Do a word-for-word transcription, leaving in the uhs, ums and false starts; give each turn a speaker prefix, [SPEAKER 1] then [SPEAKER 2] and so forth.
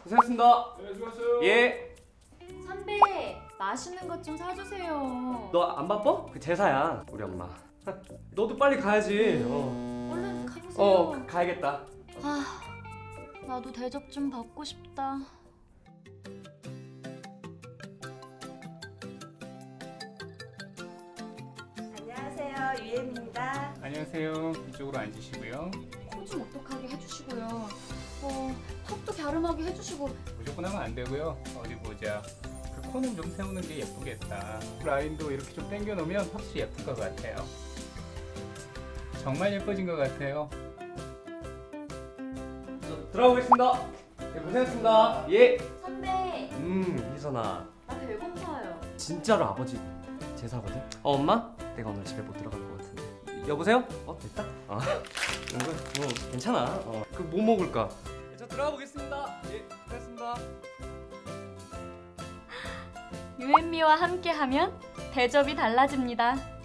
[SPEAKER 1] 고생하셨습니다.
[SPEAKER 2] 네, 수고하셨어요.
[SPEAKER 1] 예.
[SPEAKER 3] 선배, 맛있는 것 좀 사주세요.
[SPEAKER 1] 너 안 바빠? 그 제사야, 우리 엄마. 너도 빨리 가야지. 어,
[SPEAKER 3] 얼른 가보세요.
[SPEAKER 1] 어 가- 가야겠다.
[SPEAKER 3] 아, 나도 대접 좀 받고 싶다.
[SPEAKER 4] 안녕하세요, 유엠입니다.
[SPEAKER 2] 안녕하세요. 이쪽으로 앉으시고요.
[SPEAKER 3] 코 좀 오똑하게 해주시고요. 어, 턱도 갸름하게 해주시고.
[SPEAKER 2] 무조건 하면 안 되고요. 어디 보자. 그 코는 좀 세우는 게 예쁘겠다. 라인도 이렇게 좀 당겨 놓으면 확실히 예쁠 것 같아요. 정말 예뻐진 것 같아요.
[SPEAKER 1] 저 들어가보겠습니다. 네, 고생하셨습니다. 예.
[SPEAKER 3] 선배,
[SPEAKER 1] 음, 희선아.
[SPEAKER 3] 나 배고파요.
[SPEAKER 1] 진짜로 아버지 제사거든? 어, 엄마? 내가 오늘 집에 못 들어갈 것 같은데. 여보세요? 어, 됐다? 어. 이거 뭐 괜찮아. 어. 그 뭐 먹을까? 네, 저 들어가 보겠습니다. 예, 고생하셨습니다.
[SPEAKER 3] 유앤미와 함께하면 대접이 달라집니다.